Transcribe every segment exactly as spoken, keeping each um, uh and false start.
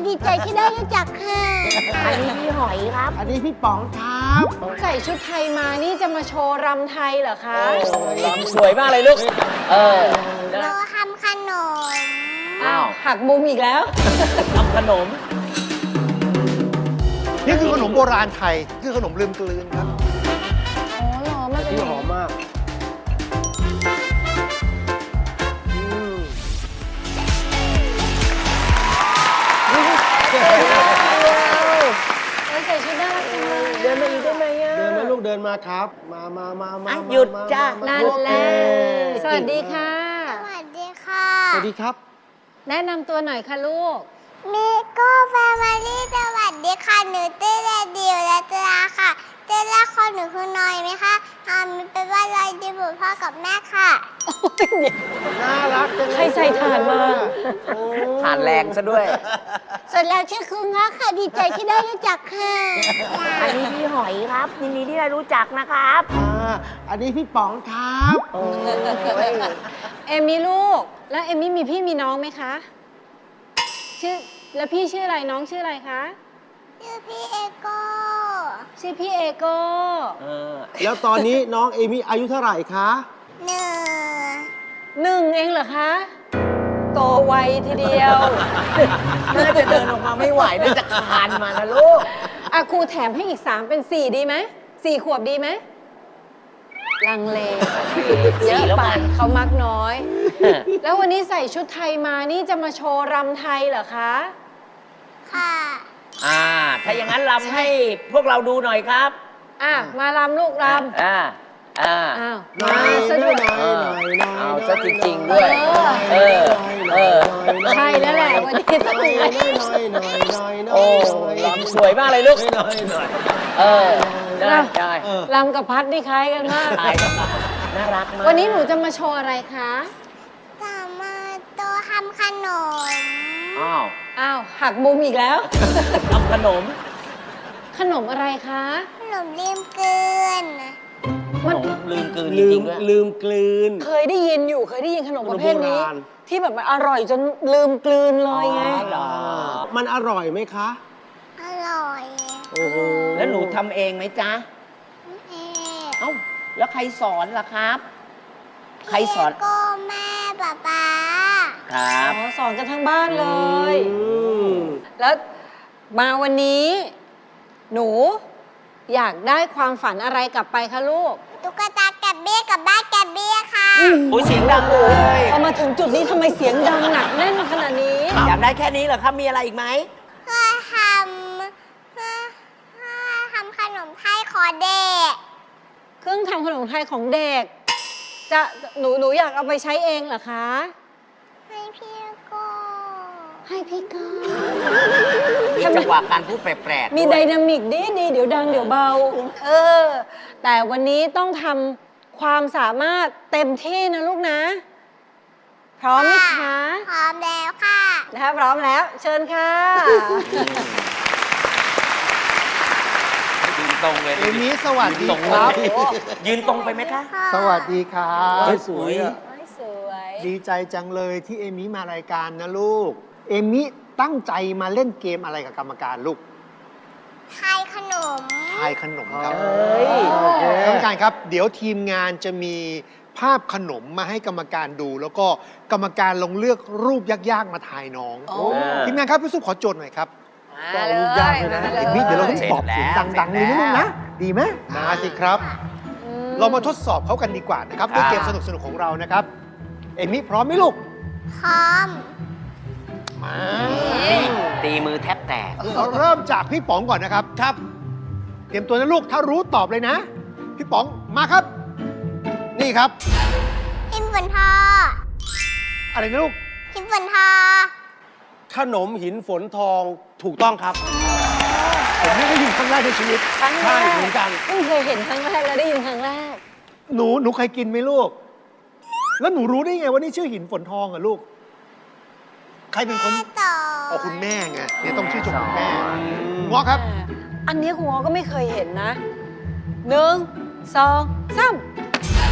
ดีใจที่ได้รู้จักค่ะอันนี้พี่หอยครับอันนี้พี่ป๋องครับใส่ชุดไทยมานี่จะมาโชว์รำไทยเหรอคะรำสวยมากเลยลูก เออเราทำขนมอ้าวหักมุมอีกแล้วทำขนมนี่คือขนมโบราณไทย คือขนมลืมกลืนครับอ๋อเหรอมันเป็นที่อย่างหอนี้มมากอืมเออใส่ชุดน่ารักจังเลยเดินมาอีกได้ไหมอ่ะเดินมาลูกเดินมาครับ มามามามาอ่ะมาหยุดมาจ้ะมานั่นโอเคแหละสวัสดีค่ะสวัสดีค่ะสวัสดีครับแนะนำตัวหน่อยค่ะลูกมิโก้แฟมิลี่สวัสดีค่ะหนูเต้เรดิวและตราค่ะเต้แรกคนหนูคือน้อยไหมคะอามีเป็นว่าลอยดีบุพ่อกับแม่ค่ะน่ารักจังเลยใครใส่ถ่านมาโอ้ผ่านแรงซะด้วยส่วนแล้วชื่อคือง้อค่ะดีใจที่ได้รู้จักค่ะอันนี้พี่หอยครับยินดีที่ได้รู้จักนะครับอ่าอันนี้พี่ป๋องครับเอมมี่ลูก แล้วเอมมี่มีพี่มีน้องไหมคะ ชื่อ แล้วพี่ชื่ออะไรน้องชื่ออะไรคะชื่อพี่เอโก้ชื่อพี่เอโก้เออแล้วตอนนี้น้องเอมี่อายุเท่าไหร่คะหนึ่งหนึ่งเองเหรอคะ โตไวทีเดียวน่าจะเดินออกมาไม่ไหวน่าจะคลานมานะลูกอาครูแถมให้อีกสามเป็นสี่ดีไหมสี่ขวบดีไหมลังเลเยอะแล้วไปกันเขามักน้อย แล้ววันนี้ใส่ชุดไทยมานี่จะมาโชว์รำไทยเหรอคะค่ะอ่า ถ้าอย่างนั้นรำให้พวกเราดูหน่อยครับอ่ะ มารำลูกรอ่า อ่าำอ้าวหน่อยมาซะด้วยหน่อยหน่อยหน่อยเอาซะจริงๆด้วย เออ เออใช่แล้วแหละวันนี้ต้องหน่อยเลยหน่อยหน่อยหน่อยหน่อยโอ้รำสวยมากเลยลูกหน่อยหน่อยเออ ได้ได้เออรำกับพัดนี่คล้ายกันมากถ่ายกันมาน่ารักมากวันนี้หนูจะมาโชว์อะไรคะสามารถโตทำขนมอ้าวอ้าว หักมุมอีกแล้วทำขนมขนมอะไรคะขนมลืมเกินขนมลืมกลืนจลืริมงๆด้วยลืมกลืนเคยได้ยินอยู่เคยได้ยินขนมประเภทนี้ขนมโบราณที่แบบมันอร่อยจนลืมกลืนเลยไงอ๋อเหรอมันอร่อยไหมคะอร่อยโอ้โหแล้วหนูทำเองไหมจ๊ะเอ๊ะเอ้า แล้วใครสอนล่ะครับ ใครสอนพี่เอโก้แม่ป๊าป๊าครับอ๋อสอนกันทั้งบ้านเลยอืมแล้วมาวันนี้ หนูอยากได้ความฝันอะไรกลับไปคะลูกตุ๊กตาแกบเบี้ยกับบ้านแกบเบี้ยค่ะโอ้ยเสียงดังเลยพอมาถึงจุดนี้ทำไมเสียงดังหนักแน่นขนาดนี้อยากได้แค่นี้เหรอครับ มีอะไรอีกไหมเพื่อทำเพื่อเพื่อทำขนมไทยขอเด็กเครื่องทำขนมไทยของเด็ก จะหนูหนูอยากเอาไปใช้เองเหรอคะให้พี่โก้ให้พี่ก้ามีจังหวะการพูดแปลกๆมีด้ไดวยนามิกดีดีเดี๋ยวดังเดี๋ยวเบา เออ แต่วันนี้ต้องทำความสามารถเต็มที่นะลูกนะ พร้อมไหมคะพร้อมแล้วค่ะนะคะพร้อมแล้ว เชิญค่ะยืนตรงเลยเอมี่สวัสดียืนตรงครับเลยยืนตรงไปไหมคะสวัสดีครับเฮ้ยสวยอะสวยดีใจจังเลยที่เอมี่มารายการนะลูก เอมี่ตั้งใจมาเล่นเกมอะไรกับกรรมการลูกไทยขนมทายขนมครับเอ้ยโอเคกรรมการครับ เดี๋ยวทีมงานจะมีภาพขนมมาให้กรรมการดู แล้วก็กรรมการลงเลือกรูปยากๆมาทายน้องโอ้ทีมงานครับพี่สุขขอโจทย์หน่อยครับมาเลยรูปยากเลยนะมาเอมี่เดี๋ยวเราต้องเสร็จตอบเสียงแล้วดังๆเลยนะเสร็ลูจกแล้วนะ ดีไหมมาสิครับอืเรามาทดสอบเขากันดีกว่านะครับด้วยเกมสนุกๆของเรานะครับ เอมี่พร้อมไหมลูกพร้อมมาตีมือแทบแตกเราเริ่มจากพี่ป๋องก่อนนะครับ ครับ เตรียมตัวนะลูก ถ้ารู้ตอบเลยนะ พี่ป๋องมาครับ นี่ครับพิมพ์ฝนทออะไรนะลูกพิมพ์ฝนทอขนมหินฝนทองถูกต้องครับ ผมไม่ได้ยินครั้งแรกในชีวิตครั้งแรใช่กเหมือนกันเพิ่งเคยเห็นครั้งแรกแล้วได้ยินครั้งแรกหนูหนูเคยกินไหมลูก แล้วหนูรู้ได้ไงว่านี่ชื่อหินฝนทองอะลูก ใครเป็นคนแม่ต่อเอาคุณแม่ไงเนี่ยต้องชื่อชมคุณแม่งอครับอันนี้ครูก็ไม่เคยเห็นนะหนึ่งสองสาม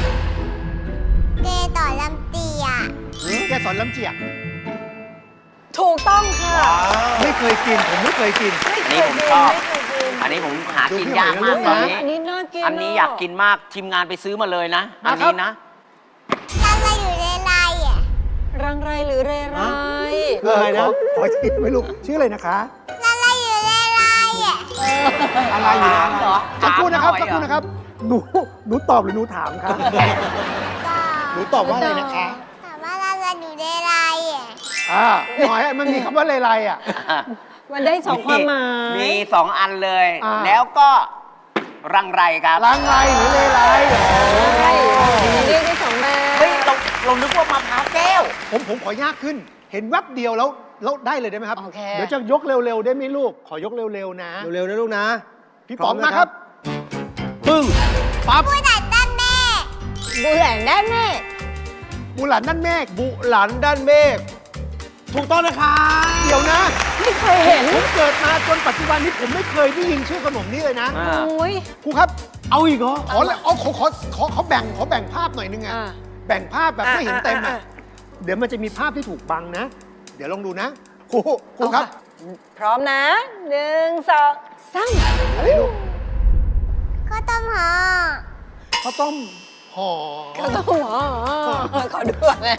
เกต่อลำเตียแกสอนลำเจียกถูกต้องค่ะไม่เคยกิน ผมไม่เคยกินไม่อันเคนี้ยผมกินชอบไม่เคยกินอันนี้ผมหาดูกินพี่ยากหอยมากนะตอนนี้อันนี้น่ากินอันนี้อยากกินมากทีมงานไปซื้อมาเลยนะมาอันครับนี้นะอะไรอยู่ในลายอ่ะรังไรหรือเรไรเออนะขอชื่อไม่รู้ชื่ออะไรนะคะอะไรอยู่ในลายอ่ะอะไรอยู่นะเหรอสักครู่นะครับถามหน่สัอก ยครู่นะครับ หนูหนูตอบหรือหนูถามครับก็หนูตอบว่าอะไรนะคะถามว่าอะไรอยู่ในลายอ่ะอ่าหน่อยมันมีคำว่าเลไลอ่ะมันได้สองความหมายมีสองอันเลยอ่าแล้วก็รังไรครับลังไรหรือเลไลอ๋อใช่เรียกได้สองแบบเฮ้ยเราเรานึกว่ามะพร้าวแก้วผมผมขอยากขึ้น เห็นแวบเดียวแล้วแล้วได้เลยได้ไหมครับโอเคเดี๋ยวจะยกเร็วๆได้ไหมลูก ขอยกเร็วๆนะเร็วๆนะลูกนะพี่ป๋องมาครับปึ้งปั๊บผู้ดัดด้านแม่บูแหลนได้แม่มูหลานนั่นเมฆบุหลันด้านเมฆถูกต้องนะครับเดี๋ยวนะไม่เคยเห็นผมเกิดมาจนปัจจุบันนี้ผมไม่เคยได้ยินชื่อขนมนี้เลยนะอ่าโอ้ยครูครับเอาอีกเหรอขอเลยเอาขอขอขอขอแบ่งขอแบ่งภาพหน่อยนึงอะอ่าแบ่งภาพแบบไม่เห็นเต็มอ่าอะอ่าเดี๋ยวมันจะมีภาพที่ถูกบังนะ เดี๋ยวลองดูนะครูครูครับพร้อมนะหนึ่งสองสามอะไรลูกก็ต้มห่อข้าวต้มห่อเขาต้องหัวขอดูก่อนนะ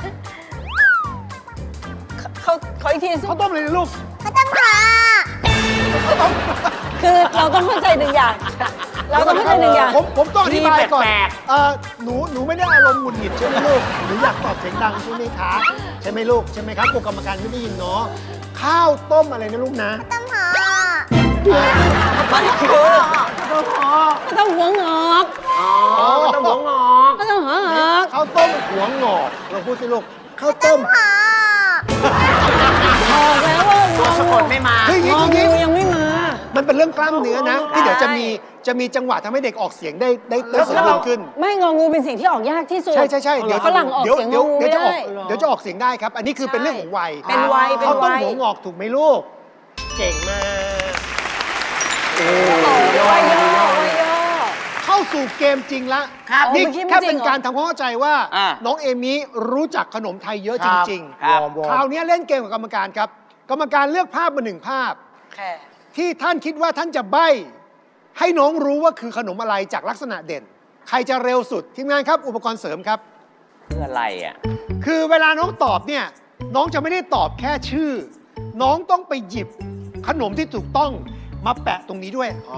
เขาเขาอีกทีสิข้าวต้มอะไรนะลูกก็ต้มห่อคือเราต้องเข้าใจหนึ่งอย่าง เราต้องเข้าใจหนึ่งอย่างผมผมต้องอธิบายก่อนแปลกเออหนูหนูไม่ได้อารมณ์หงุดหงิดใช่ไหมลูกหนูอยากตอบเสียงดังใช่ไหมคะใช่ไหมลูกใช่ไหมครับกรรมการไม่ได้ยินเนาะข้าวต้มอะไรนะลูกนะต้มห่อมันคือก็ต้องหัวงอกอ๋อต้องหัวงอกก็ต้องหัวงอกข้าวต้มหัวงอกเราพูดสิลูกข้าวต้มห่อบอกแล้วว่างอสะกงูดไม่มาเฮ้ยอย่างงนี้ออย่างนี้งูยังไม่มามันเป็นเรื่องกล้ามเนื้อนะ ที่เดี๋ยวจะมีจะมีจังหวะทำให้เด็กออกเสียงได้ได้ได้สมบูรณ์ขึ้นไม่งองูเป็นสิ่งที่ออกยากที่สุดใช่ใช่ใช่เดี๋ยวฝรั่งออกเดี๋ยวเสียงงเดี๋ยอวงูเดี๋ยวไม่จะออได้กเดี๋ยวจะออกเสียงได้ครับ อันนี้คือเป็นเรื่องของวัยเป็นวัยเป็นข้าวต้มวัยหัวงอกถูกไหมลูก เก่งมากโอ้ยย่อย่อย่อเข้าสู่เกมจริงละครับนี่เมื่อกี้ไม่แค่จริเป็นงเหรอการทำความเข้าใจว่าอ่าน้องเอมี่รู้จักขนมไทยเยอะจริงครับวอร์มวอๆร์มคราวนี้เล่นเกมกับกรรมการครับ กรรมการเลือกภาพมาหนึ่งภาพแค่ที่ท่านคิดว่าท่านจะใบ้ให้น้องรู้ว่าคือขนมอะไรจากลักษณะเด่น ใครจะเร็วสุดทีมงานครับ อุปกรณ์เสริมครับคืออะไรอ่ะคือเวลาน้องตอบเนี่ยน้องจะไม่ได้ตอบแค่ชื่อ น้องต้องไปหยิบขนมที่ถูกต้องมาแปะตรงนี้ด้วยอ๋อ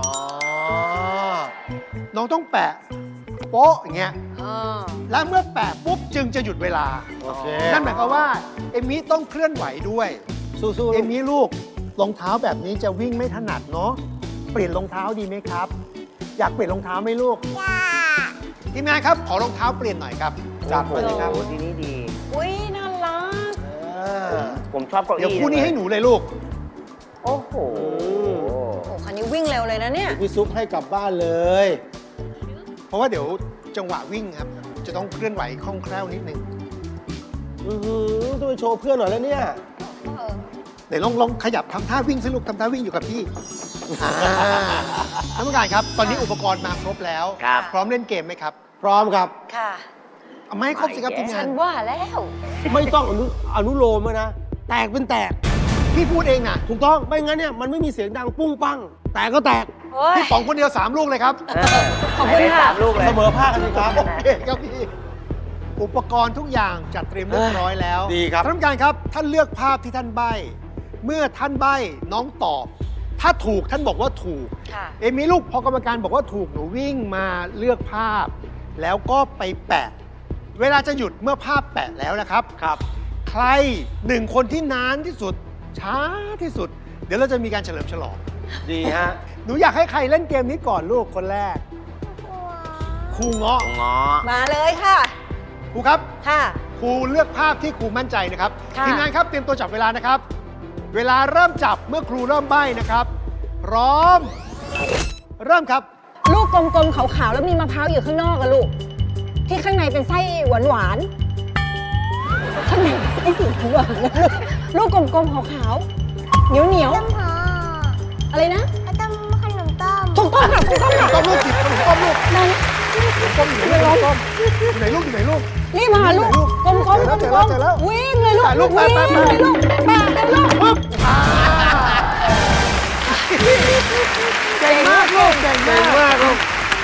น้องต้องแปะโป๊ะอย่างเงี้ยอ่าและเมื่อแปะปุ๊บจึงจะหยุดเวลาโอเคนั่นหมายความว่าเอมี่ต้องเคลื่อนไหวด้วยสู้ๆเอลูกมี่ลูกรองเท้าแบบนี้จะวิ่งไม่ถนัดเนาะเปลี่ยนรองเท้าดีไหมครับ อยากเปลี่ยนรองเท้าไหมลูกจ้าทีมงานครับขอรองเท้าเปลี่ยนหน่อยครับจัดไปเลยครับโอ้โหทีนี้ดีอุ้ยน่ารักอ่าผมชอบเก้าอี้เดี๋ยวคู่นี้ให้หนูเลยลูกโอ้โหโอ้คันนี้วิ่งเร็วเลยนะเนี่ยพี่ซุปให้กลับบ้านเลยเพราะว่าเดี๋ยวจังหวะวิ่งครับ จะต้องเคลื่อนไหวคล่องแคล่วนิดนึงอือหือต้องไปโชว์เพื่อนหน่อยแล้วเนี่ยเดี๋ยวลองลองขยับทำท่าวิ่งสิลูกทำท่าวิ่งอยู่กับพี่อ่าท่านผู้การครับ ตอนนี้อุปกรณ์มาครบแล้วครับพร้อมเล่นเกมไหมครับพร้อมครับค่ะเอามาให้ครบสิครับทีมฉังานนว่าแล้วไม่ต้องอนุอนุโลมเลยนะ แตกเป็นแตกพี่พูดเองนะถูกต้อง ไม่งั้นเนี่ยมันไม่มีเสียงดังปุ้งปัง แตกก็แตกเฮ้ยพี่ป๋องคนเดียวสามลูกเลยครับเออขอบคุณให้ได้ค่ะสามลูกเลยเสมอภาคกันสิครับโอเคครับพี่ อุปกรณ์ทุกอย่างจัดเตรียมเรียบร้อยแล้วดีครับท่านผู้การครับ ท่านเลือกภาพที่ท่านใบ้ เมื่อท่านใบ้น้องตอบ ถ้าถูกท่านบอกว่าถูกค่ะเอมี่ลูกพอกรรมการบอกว่าถูกหนูวิ่งมาเลือกภาพ แล้วก็ไปแปะ เวลาจะหยุดเมื่อภาพแปะแล้วนะครับครับใครหนึ่งคนที่นานที่สุด ช้าที่สุด เดี๋ยวเราจะมีการเฉลิมฉลองดีฮะหนูอยากให้ใครเล่นเกมนี้ก่อนลูกคนแรกครูเงาะงอมาเลยค่ะครูครับค่ะครูเลือกภาพที่ครูมั่นใจนะครับค่ะทีมงานครับเตรียมตัวจับเวลานะครับ เวลาเริ่มจับเมื่อครูเริ่มใบ้นะครับ พร้อม เริ่มครับลูกกลมๆขาวๆแล้วมีมะพร้าวอยู่ข้างนอกอะลูก ที่ข้างในเป็นไส้หวานๆข้างในเป็นไส้สีหวานๆนะลูกลูกกลมๆขาวๆเหนียวเหนียวต้มห่อๆอะไรนะก็ต้มขนมต้มถูกต้องค่ะถูกต้องค่ะต้มลูกจิบขนมต้มลูกนั่นต้มอยู่ไหนลูกต้มอยู่ไหนลูกอยู่ไหนลูกนี่มาลูกกลมๆกลมเจอแล้วเจอแล้วๆวิ่งเลยลูกถ่ายรูปไปวิ่งไปไปเลยลูกแปะเลยลูกเก่งมากลูกเก่งเก่งมากมากลูก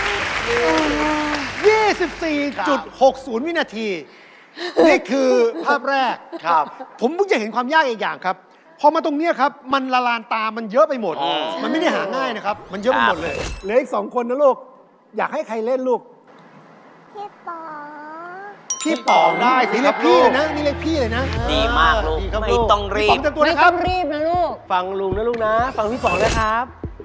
ยี่สิบสี่จุดหกศูนย์ วินาที นี่คือภาพแรกครับผมเพิ่งจะเห็นความยากอีกอย่างครับ พอมาตรงเนี้ยครับ มันละลานตา มันเยอะไปหมดอ๋อมันไม่ได้หาง่ายนะครับ มันเยอะไปหมดเลย เหลืออีกสองคนนะลูก อยากให้ใครเล่นลูกพี่ปอพี่ป๋องได้สิเรียกพี่เลยนะ นี่เรียกพี่เลยนะดีมากลูกดีครับไม่ลูกต้องรีพี่ป๋อบ งเต็มตัวไม่นะคต้รัอบ งรีบนะลูกฟังลุงนะลูกนะ ฟังพี่ป๋องนะครับ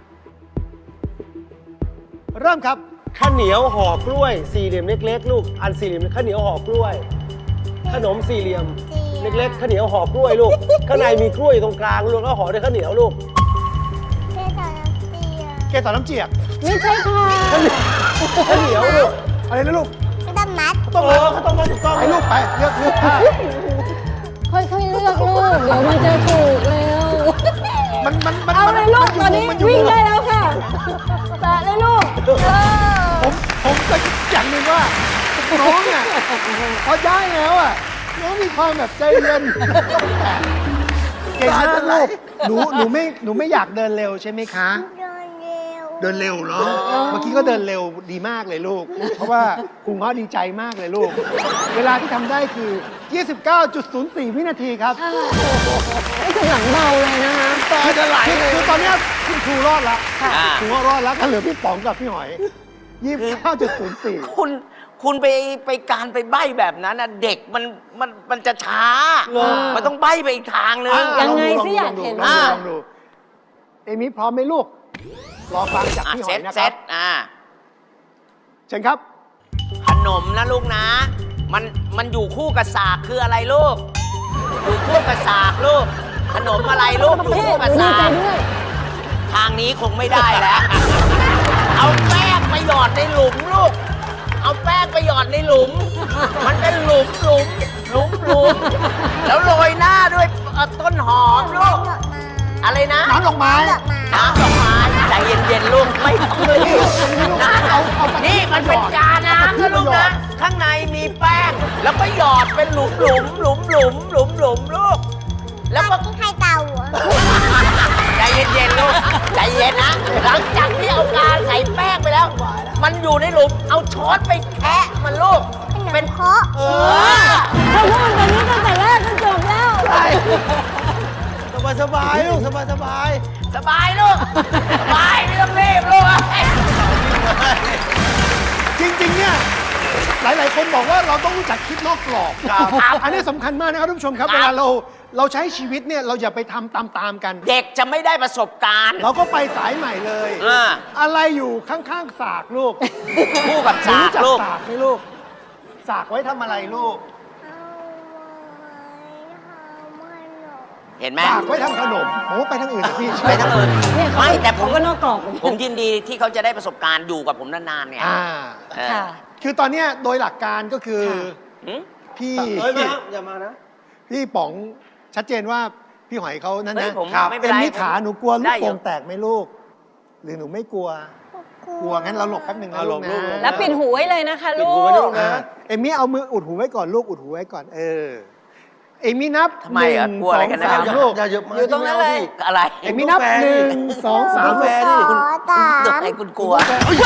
เริ่มครับข้าวเหนียวห่อกล้วย สี่เหลี่ยมเล็กๆ ลูก อันสี่เหลี่ยมข้าวเหนียวห่อกล้วย ขนมสี่เหลี่ยม เล็กๆข้าวเหนียวห่อกล้วยลูก ข้างในมีกล้วยอยู่ตรงกลางลูกแล้วห่อด้วยข้าวเหนียวลูกพี่ตอนน้ำเตียเกสรน้ำเจียกไม่ใช่ค่ะข้าวเหนียวลูกอะไรนะลูกพี่ตอนมัดต้องเอมาอข้าวต้มมัดถูกต้องไปลูกไป เลือกเลือกผ้าค่อยๆเลือกลูก เดี๋ยวมันจะถูกเร็วมันมันมันเอาเลยลูกตอนนี้มัยู่วิ่งได้แล้วค่ะแตะเลยลูกเออผมผมก็อย่างหนึ่งว่าน้องอ่ะพอได้แล้วอ่ะน้องมีความแบบใจเย็นเก่งมากลูกหนูหนูไม่หนูไม่อยากเดินเร็วใช่ไหมคะเดินเร็วเดินเร็วเนาะเมื่อกี้ก็เดินเร็วดีมากเลยลูก เพราะว่าครูง้อดีใจมากเลยลูก เวลาที่ทำได้คือ ยี่สิบเก้าจุดศูนย์สี่ วินาทีครับไม่ถึงหลังเบาเลยนะคะตาจะไหลเลยคือตอนเนี้ยคุณครูรอดแล้วอ่าครูง้อรอดแล้วก็เหลือพี่ป๋องกับพี่หอย ยี่สิบเก้าจุดศูนย์สี่คุณคุณไปไปการไปใบ้แบบนั้นนะเด็กมันมันมันจะช้าเหรอมันต้องใบ้ไปอีกทางนึงยังไงสิอยากเห็นลองดูลองดูเอมี่พร้อมไหมลูก รอฟังจากอ่ะพี่หเซอยตนะเซครับตอ่าเชิญครับขนมนะลูกนะ มันมันอยู่คู่กับสากคืออะไรลูก อยู่คู่กับสากลูก ขนมอะไรลูกอยู่พี่คู่หกับนูดีสาใจกด้วยทางนี้คงไม่ได้แล้ว เอาแป้งไปหยอดในหลุมลูก เอาแป้งไปหยอดในหลุม มันเป็นหลุมหลุมหลุมหลุมแล้วโรยหน้าด้วยเอ่อต้นหอมลูกดอกไม้อะไรนะน้ำดอกไม้ดอกไม้น้ำดอกไม้ใจเย็นๆลูกไม่ต้องรีบนะเอาเอาไปนี่มันเป็นกาน้ำนะลูกนะ ข้างในมีแป้ง แล้วก็หยอดเป็นหลุมหลุมหลุมหลุมหลุมหลุมลูก แล้วก็กินไข่เต่าเหรอใจเย็นๆลูกใจเย็นนะ หลังจากที่เอากาใส่แป้งไปแล้ว มันอยู่ในหลุม เอาช้อนไปแคะมันลูกเป็นเคาะเออเขาพูดแบบนี้ตั้งแต่แรกก็จบแล้วสบายสบายลูกสบายสบายสบายลูก สบายไม่ต้องรีบลูกจริง ๆ เนี่ย หลาย ๆ คนบอกว่าเราต้องรู้จักคิดนอกกรอบครับอันนี้สำคัญมากนะครับท่านผู้ชมครับครับเวลาเราเราใช้ชีวิตเนี่ย เราอย่าไปทำตาม ๆ กันเด็กจะไม่ได้ประสบการณ์เราก็ไปสายใหม่เลยอ่าอะไรอยู่ข้าง ๆ สากลูกคู่กับหนูสารู้กจักลูกสากไหมลูก สากไว้ทำอะไรลูกเห็นไหมสากไว้ทำขนมโอ้ไปทางอื่นนะพี่ไปทั้งอื่นเนี่ยเขาไม่แต่ผมเขาก็นอกกรอบเหมือนกันผมยินดีที่เขาจะได้ประสบการณ์อยู่กับผมนานๆเนี่ยอ่าเออค่ะคือตอนเนี้ยโดยหลักการก็คือค่ะหืมพี่เอ้ยมาอย่ามานะพี่ป๋องชัดเจนว่าพี่หอยเขานั่นเฮ้นะยผมครับไม่เป็เอ็นมไรนี่ขาหนูกลัวลูได้กอยู่โป่งแตกไหมลูก หรือหนูไม่กลัว กลัวงั้นเราหลบแป๊บหนึ่งนะเอาลูกหลบนะลูกแล้วปิดหูไว้เลยนะคะปิดลูหูกไว้ลูกอ่าเอมมี่เอามืออุดหูไว้ก่อนลูกอุดหูไว้ก่อนเออเอมมี่นับทำไมหอ่ะนึ่งกลัวสอะไรองกันนะสามอย่าลูกอย่าเยอะมาอยู่ตรงนั้นเลยอะไรเอมมี่นับหนึ่งสองสามแฟลูกนดิขอสามให้คุณกลัว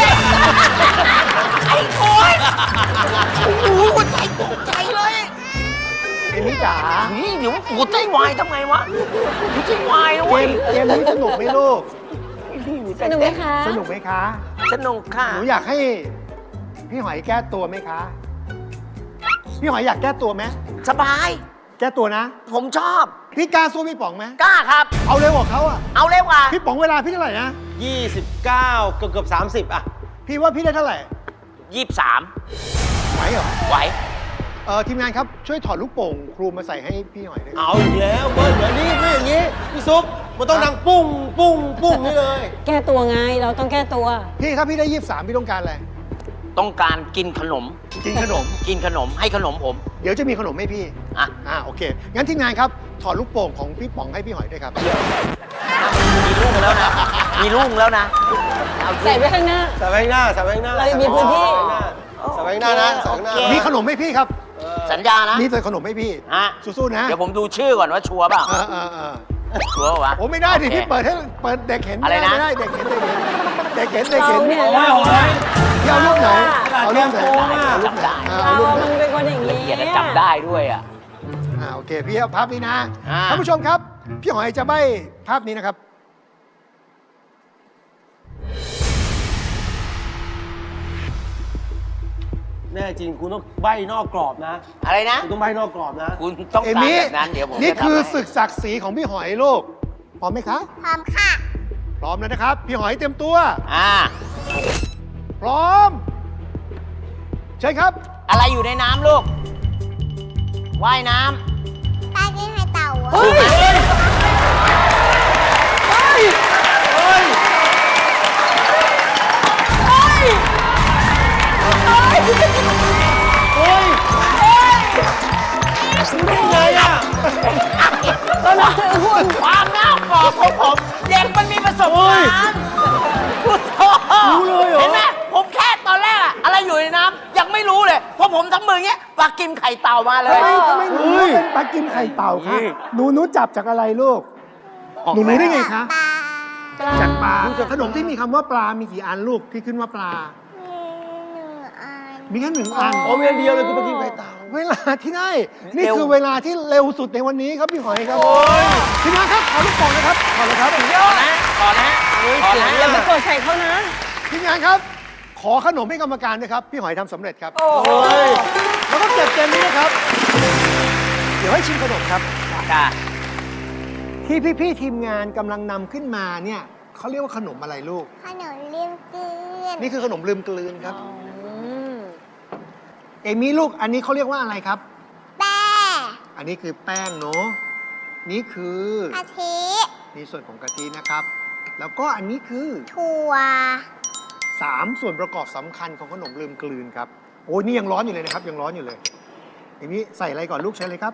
ไอ้โกยโอ้โหหัวใจตกใจเลยเอมมี่จ๋านี่เดี๋ยวหัวใจวายทำไงวะหัวใจวายนะเกเว้ยมเกมนี้สนุกไหมลูกสนุกไหมคะสนุกไหมคะสนุกค่ะหนูอยากให้พี่หอยแก้ตัวไหมคะ พี่หอยอยากแก้ตัวไหมสบายแก้ตัวนะผมชอบพี่กล้าสู้พี่ป๋องไหมกล้าครับเอาเร็วกว่าเขาอ่ะเอาเร็วกว่าพี่ป๋องเวลาพี่เท่าไหร่นะยี่สิบเก้าเกือบเกือบสามสิบอ่ะพี่ว่าพี่ได้เท่าไหร่ยี่สิบสามไหวเหรอไหวเออทีมงานครับช่วยถอดลูกโป่งครูมาใส่ให้พี่หอยด้วยเอาอีกแล้วเบิร์ดเดี๋ยวนี้ไม่อย่างนี้พี่ซุปมันต้องดังปุ้งปุ้งปุ้งนี่เลยแก้ตัวไง เราต้องแก้ตัวพี่ถ้าพี่ได้ยี่สิบสามพี่ต้องการอะไรต้องการกินขนมกินขนมกินขนมให้ขนมผมเดี๋ยวจะมีขนมให้พี่อ่ะอ่าโอเค งั้นทีมงานครับถอดลูกโป่งของพี่ป๋องให้พี่หอยด้วยครับมีลูกแล้วนะ มีลูกแล้วนะเอาสิใส่ไว้ข้างหน้าใส่ไว้ข้างหน้าใส่ไว้ข้างหน้าเรายังมีพื้นที่ใส่ไว้ข้างหน้านะใส่ไว้ข้างหน้าโอเคมีขนมให้พี่ครับสัญญานะมีใส่ขนมให้พี่ฮะสู้ๆนะเดี๋ยวผมดูชื่อก่อนว่าชัวร์เปล่าเออเออเออชัวร์วะโอ้ไม่ได้ดิโอเคพี่เปิดให้เปิดเด็กเห็นอะไรนะไม่ได้เด็กเห็นเด็กเห็นเด็กเห็นเด็กเห็นเราเนี่ยโอ้ยโอ้ยพี่เอารูปไหนเอารูปไหนโกงอะเอารูปไหนอ่าเอาเรารูปไหนมันเป็นคนอย่างละนี้เอียดและจำได้ด้วยอ่ะอ่าโอเคพี่เอาภาพนี้นะอ่าท่านผู้ชมครับ พี่หอยจะใบ้ภาพนี้นะครับแน่จริงคุณต้องใบ้นอกกรอบนะอะไรนะคุณต้องใบ้นอกกรอบนะคุณต้องเอการมี่แบบนั้นเดี๋ยวผมนี่จะทำคือให้ศึกศักดิ์ศรีของพี่หอยลูกพร้อมไหมคะพร้อมค่ะพร้อมแล้วนะครับ พี่หอยเตรียมตัวอ่าพร้อมใช่ครับอะไรอยู่ในน้ำลูก ว่ายน้ปลากินไข่เต่าอะเฮ้ย เฮ้ย เฮ้ย เฮ้ยไงอ่ะก็นึกถึงคุณำความน่าบอกของผม เด็กมันมีประสบการณ์พุทโธรู้เลยเหรอเห็นไหมผมแค่ตอนแรกอะอะไรอยู่ในน้ำยังไม่รู้เลยเพราะผมทำมืออย่างเงี้ยปลากิมไข่เต่ามาเลยทำไมทำไมหนูรู้เป็นปลากิมไข่เต่าคะหนูหนูจับจากอะไรลูก หนูรู้ได้ไงคะปลาจากปลาขนมที่มีคำว่าปลา มีกี่อันลูกที่ขึ้นว่าปลามีหนึ่งอันมีแค่หนึ่งอันอ๋อมีอันเดียวเลยคือปลากิมไข่เต่าเวลาที่ได้ นี่คือเวลาที่เร็วสุดในวันนี้ครับพี่หอยครับทีมงานครับขอลูกโป่งนะครับขอเลยครับก่อนนะก่อนนะก่อนนะอย่าไปกดใส่เขานะทีมงานครับ ขอขนมให้กรรมการด้วยครับ พี่หอยทำสำเร็จครับโอ้โหยแล้วก็เก็บเกมนี้นะครับ เดี๋ยวให้ชิมขนมครับค่ะที่พี่ๆทีมงานกำลังนำขึ้นมาเนี่ยเขาเรียกว่าขนมอะไรลูกขนมเลียมเกลือนนี่คือขนมลืมกลืนครับ เอมี่ลูกอันนี้เขาเรียกว่าอะไรครับแป้อันนี้คือแป้งเนาะนี่คือกะทินี่ส่วนของกะทินะครับ แล้วก็อันนี้คือถั่วสามส่วนประกอบสำคัญของขนมลืมกลืนครับ โอ้ยนี่ยังร้อนอยู่เลยนะครับ ยังร้อนอยู่เลยเอมี่ใส่อะไรก่อนลูกใช้เลยครับ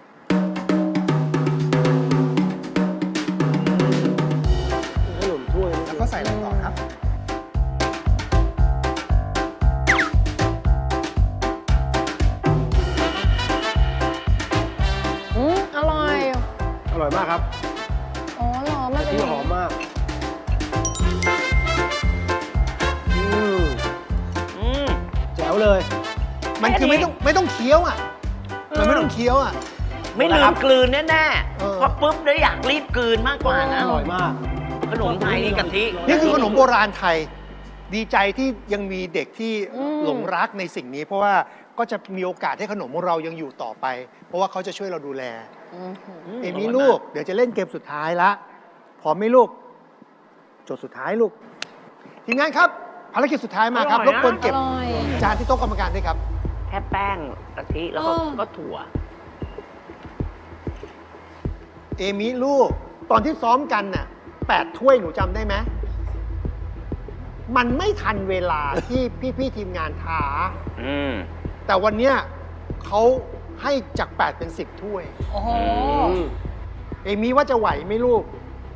ขนมถ้วยแล้วก็ใส่อะไรต่อครับอืมอร่อยอร่อยมากครับอ๋อเหรอมันเป็นที่หอมมาก อืมอืมแจ๋วเลยมันคือไม่ต้องไม่ต้องเคี้ยวอ่ะ มันไม่ต้องเคี้ยวอ่ะไม่ลืมกลืนแน่เออๆพอปุ๊บได้อยากรีบกลืนมากกว่านะอร่อยมากขนมไทยนี่กะทินี่คือขนมโบราณไทย ดีใจที่ยังมีเด็กที่หลงรักในสิ่งนี้ เพราะว่าก็จะมีโอกาสให้ขนมของเรายังอยู่ต่อไป เพราะว่าเขาจะช่วยเราดูแล เอมี่ลูก เดี๋ยวจะเล่นเกมสุดท้ายละพร้อมไหมลูก โจทย์สุดท้ายลูก ทีมงานครับ ภารกิจสุดท้ายมาครับ รบกวนอเก็บร่อยจานที่โต๊ะกรรมการด้วยครับแค่แป้งกะทิแล้วก็เออก็ถั่วเอมี่ลูก ตอนที่ซ้อมกันน่ะแปดถ้วยหนูจำได้ไหมมันไม่ทันเวลา ที่พี่ๆทีมงานท้าอืมแต่วันเนี้ยเขาให้จากแปดเป็นสิบถ้วยโอ้โหเอมี่ว่าจะไหวไหมลูก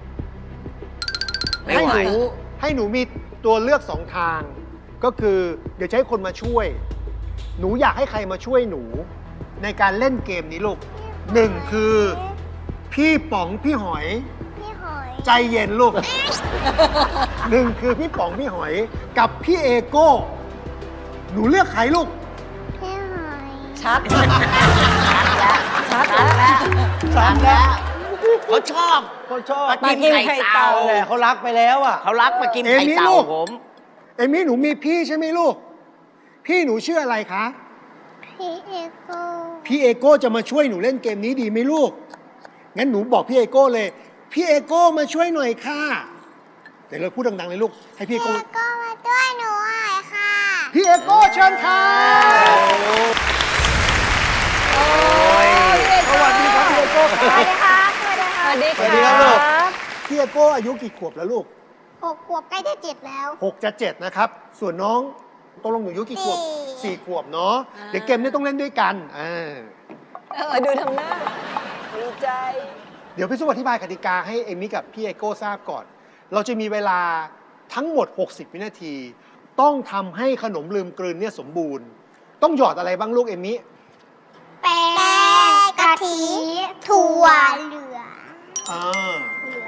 ไม่ไหวให้นูให้หนูมีตัวเลือกสองทาง ก็คือเดี๋ยวจะให้คนมาช่วย หนูอยากให้ใครมาช่วยหนู ในการเล่นเกมนี้ลูกหนึ่งคือ พี่ป๋องพี่หอยพี่หอยใจเย็นลูก หนึ่งคือพี่ป๋องพี่หอย กับพี่เอโก้ หนูเลือกใครลูกพี่หอยชัด ชัดแล้วสามแล้วเขาชอบเขาชอบปลากิมไข่เต่าแหละเขารักไปแล้วอ่ะเขารักปลากิมเอไข่มี่เต่าลูกผมเอมี่หนูมีพี่ใช่ไหมลูก พี่หนูชื่ออะไรคะพี่เอโก้พี่เอโก้จะมาช่วยหนูเล่นเกมนี้ดีไหมลูก งั้นหนูบอกพี่เอโก้เลย พี่เอโก้มาช่วยหน่อยค่ะ เดี๋ยวเราพูดดังๆเลยลูก ให้พี่เอพี่โก้เอโก้มาด้วยหนูหน่อยค่ะพี่เอโก้เชิญค่ะสวัสดีครับพี่เอโก้คสรับวัสดีครับสวัสดีคสรับวัสดีสวัสดีคครัรับบ ลูก พี่เอโก้อายุกี่ขวบแล้วลูกหกขวบใกล้จะเจ็ดแล้วหกจะเจ็ดนะครับ ส่วนน้องตกลงหนูอายุกี่ขวบสี่สี่ขวบเนาะ เดี๋ยวเกมนี้ต้องเล่นด้วยกันอ่าเออดูทำหน้าดีใจเดี๋ยวพี่สุอธิบายกติกาให้เอมี่กับพี่เอโก้ทราบก่อน เราจะมีเวลาทั้งหมด หกสิบ วินาที ต้องทำให้ขนมลืมกลืนเนี่ยสมบูรณ์ ต้องหยอดอะไรบ้างลูกเอมี่แป้งกะทิถั่วเหลืองอ่า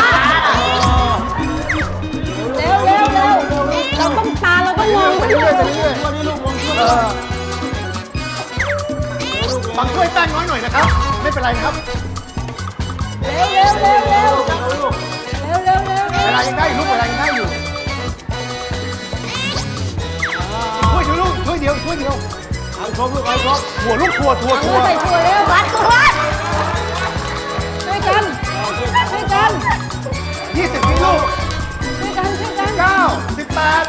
เร็วเร็วเร็วเราต้องตาเราต้องมองไปด้วยเรื่อยๆไปเรื่อยๆเออฟังช่วยแป้งน้อยหน่อยนะครับ ไม่เป็นไรนะครับเร็วเร็วเร็วเร็วเร็วเร็วเร็วเวลายังได้อยู่ลูกเวลายังได้อยู่ช่วยเดียวลูกช่วยเดียวช่วยเดียวเอาครบลูกเอาครบหัวลูกทัวทัวเอาทัวใส่ถั่วเร็ววัดวัดช่วยกันช่วยกันยี่สิบวิลูกช่วยกันช่วยกันเก้าสิบแปด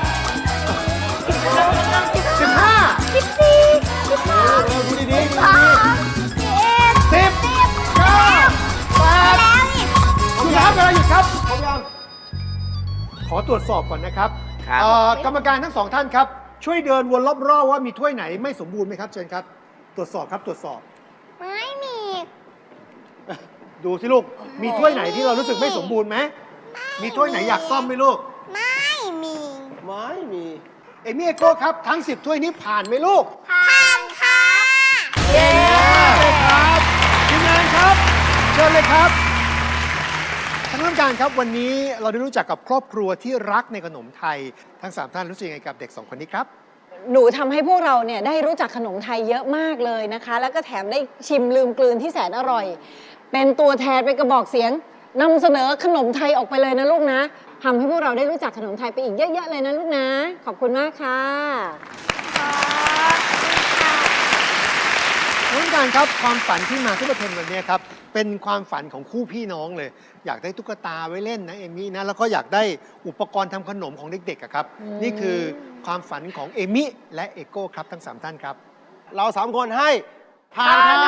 สิบห้าสิบสี่สิบสองดูดีๆดูดีสองสิบสิบเก้าแปดแล้วอีกหยุดครับเวลาหยุดครับๆครบยังขอตรวจสอบก่อนนะครับครับเอ่อกรรมการทั้งสองท่านครับ ช่วยเดินวนรอบๆว่ามีถ้วยไหนไม่สมบูรณ์ไหมครับเชิญครับ ตรวจสอบครับตรวจสอบไม่มีดูสิลูก มีถ้วยไหนที่เรารู้สึกไม่สมบูรณ์ไหม มีถ้วยไหนอยากซ่อมไหมลูกไม่มีไม่มีเอมี่เอโก้ครับทั้งสิบถ้วยนี้ผ่านไหมลูกผ่านค่ะเย้ครับทีมงานครับเชิญเลยครับท่านผู้การครับวันนี้เราได้รู้จักกับครอบครัวที่รักในขนมไทย ทั้งสามท่านรู้สึกยังไงกับเด็กสองคนนี้ครับหนูทำให้พวกเราเนี่ยได้รู้จักขนมไทยเยอะมากเลยนะคะ แล้วก็แถมได้ชิมลืมกลืนที่แสนอร่อย เป็นตัวแทนเป็นกระบอกเสียงนำเสนอขนมไทยออกไปเลยนะลูกนะทำให้พวกเราได้รู้จักขนมไทยไปอีกเยอะๆเลยนะลูกนะ ขอบคุณมากค่ะท่านผู้การครับความฝันที่มาซุปเปอร์เทนวันนี้ครับเป็นความฝันของคู่พี่น้องเลย อยากได้ตุ๊กตาไว้เล่นนะเอมี่นะแล้วก็อยากได้อุปกรณ์ทำขนมของเด็กๆอะครับอืมนี่คือความฝันของเอมี่และเอโก้ครับทั้งสามท่านครับเราสามคนให้ผ่านครับ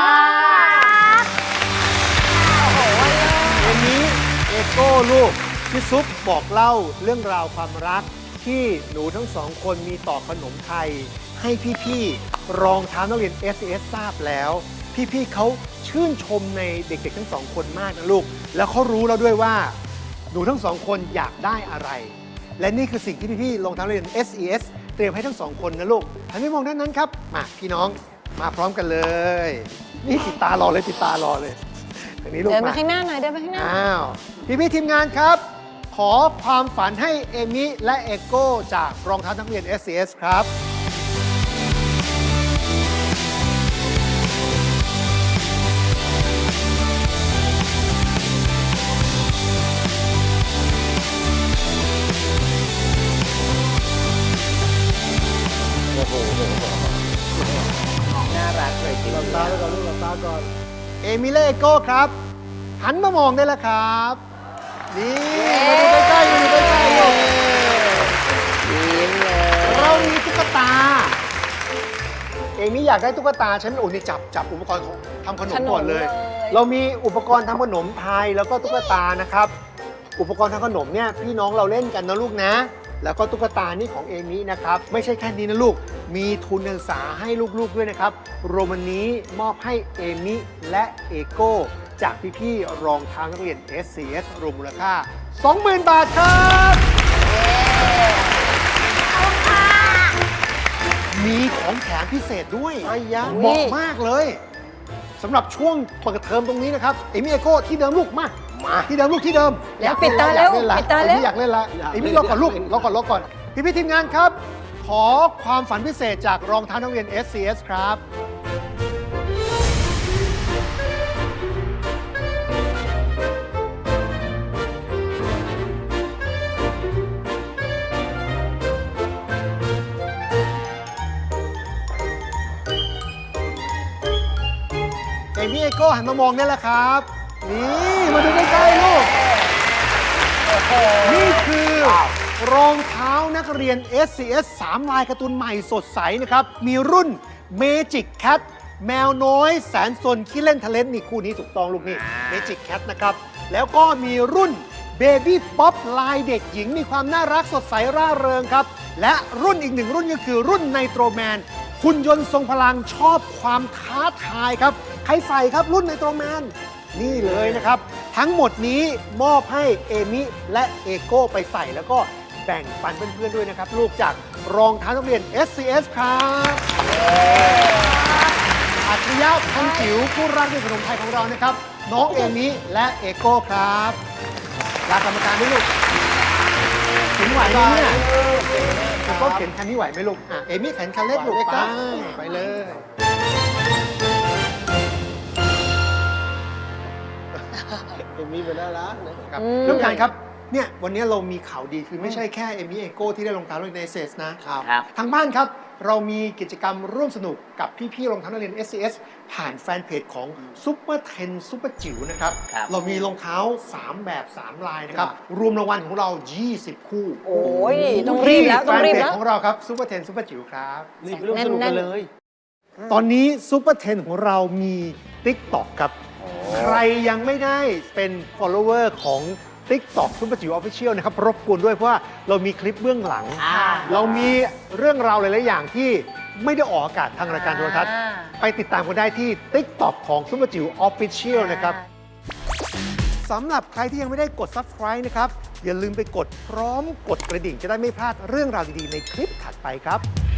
เอมี่เอโก้ลูกพี่ซุปบอกเล่าเรื่องราวความรักที่หนูทั้งสองคนมีต่อขนมไทย ให้พี่ๆรองเท้านักเรียน เอส เอส ทราบแล้ว พี่ๆเขาชื่นชมในเด็กๆทั้งสองคนมากนะลูก แล้วเขารู้แล้วด้วยว่าหนูทั้งสองคนอยากได้อะไร และนี่คือสิ่งที่พี่ๆรองเท้านักเรียน เอส เอส เตรียมให้ทั้งสองคนนะลูกหันไปมองด้านนั้นครับมาพี่น้องมาพร้อมกันเลย นี่ติดตารอเลยติดตารอเลยทางนี้ลูกเดินมามาข้างหน้าหน่อยเดินมาข้างหน้าอ้าว พี่พี่ๆทีมงานครับ ขอความฝันให้เอมิและเอโก้จากรองเท้านักเรียน เอส เอส ครับน่ารักเลยทีหลับเดีตายวไปก่อนลูกหลับตาก่อนเอมิและเอโก้ครับ หันมามองได้แล้วครับ นี่มาดูใกล้ๆมาดูใกล้ๆลูกยิ้มเลยเรามีตุ๊กตา เอมิอยากได้ตุ๊กตาฉันโอ้นี่จับจับอุปกรณ์ของทำขนมก่อนเลยขนมเลยเรามีอุปกรณ์ทำขนมไทยแล้วก็ตุ๊กตานะครับ อุปกรณ์ทำขนมเนี่ยพี่น้องเราเล่นกันนะลูกนะ แล้วก็ตุ๊กตานี่ของเอมินะครับ ไม่ใช่แค่นี้นะลูก มีทุนการศึกษาให้ลูกๆด้วยนะครับรวมวันนี้มอบให้เอมิและเอโก้จากพี่ๆรองเท้านักเรียน เอส ซี เอส รวมมูลค่า สองหมื่น บาทครับ มีของแถมพิเศษด้วยไอ้ยะเหมาะมากเลยสำหรับช่วงเปิดเทอมตรงนี้นะครับเอมี่เอโก้ที่เดิมลูกมามาที่เดิมลูกที่เดิมแล้วปิดตาแล้วอยกเนละปิดตาแล้วเอมี่อยากเล่นละเอมี่รอก่อนลูกรอก่อนรอก่อนพี่พี่ๆทีมงานครับ ขอความฝันพิเศษจากรองเท้านักเรียน เอส ซี เอส ครับ เอมี่เอโก้หันมามองได้แล้วครับ นี่ มาดูใกล้ๆลูกนี่คือรองเท้านักเรียน เอส ซี เอส สาม ลายการ์ตูนใหม่สดใสนะครับ มีรุ่น Magic Cat แมวน้อยแสนสนขี้เล่นทะเลนนี่คู่นี้ถูกต้องลูกนี่ Magic Cat นะครับ แล้วก็มีรุ่น Baby Pop ลายเด็กหญิงมีความน่ารักสดใสร่าเริงครับ และรุ่นอีกหนึ่งรุ่นก็คือรุ่น Nitro Man หุ่นยนต์ทรงพลังชอบความท้าทายครับ ใครใส่ครับรุ่น Nitro Man นี่เลยนะครับ ทั้งหมดนี้มอบให้เอมิและเอโก้ไปใส่แล้วก็แบ่งปันเพื่อนๆด้วยนะครับ ลูกจากรองเท้านักเรียน เอส ซี เอส ครับอัจฉริยะพันจิ๋วผู้รักในขนมไทยของเรานะครับ น้องเอมิและเอโก้ครับลากรรมการด้วยลูกเข็นไหวไหมเนี่ยเอโก้เข็นคันนี้ไหวไหมลูกอ่ะเอมิเข็นคันเล็กลูกไปไปเลยเอมมี่เป็นน่ารักนะครับอืมเรื่องการครับ เนี่ยวันนี้เรามีข่าวดีคือไม่ใช่แค่เอมี่เอโก้ที่ได้รองเท้านักเรียน เอส ซี เอส นะครับครับทางบ้านครับ เรามีกิจกรรมร่วมสนุกกับพี่ๆรองเท้านักเรียน เอส ซี เอส ผ่านแฟนเพจของ Super เท็น Super จิ๋วนะครับครับเรามีรองเท้า สาม แบบ สาม ลายนะครับ รวมรางวัลของเรา ยี่สิบ คู่โอ้ยต้องรีบแล้วต้องรีบที่แล้วแฟนเพจของเราครับ Super เท็น Super จิ๋วครับนี่เป็นเรื่องสนุกกันเลยตอนนี้ Super เท็นของเรามี TikTok ครับ ใครยังไม่ได้เป็น follower ของ TikTok Super จิ๋ว Official นะครับรบกวนด้วยเพราะว่าเรามีคลิปเบื้องหลังอ่าเรามีเรื่องราวหลาย ๆ อย่างที่ไม่ได้ออกอากาศทางรายการโทรทัศน์อ่าไปติดตามกันได้ที่ TikTok ของ Super จิ๋ว Official นะครับสำหรับใครที่ยังไม่ได้กด Subscribe นะครับ อย่าลืมไปกดพร้อมกดกระดิ่งจะได้ไม่พลาดเรื่องราวดี ๆ ในคลิปถัดไปครับ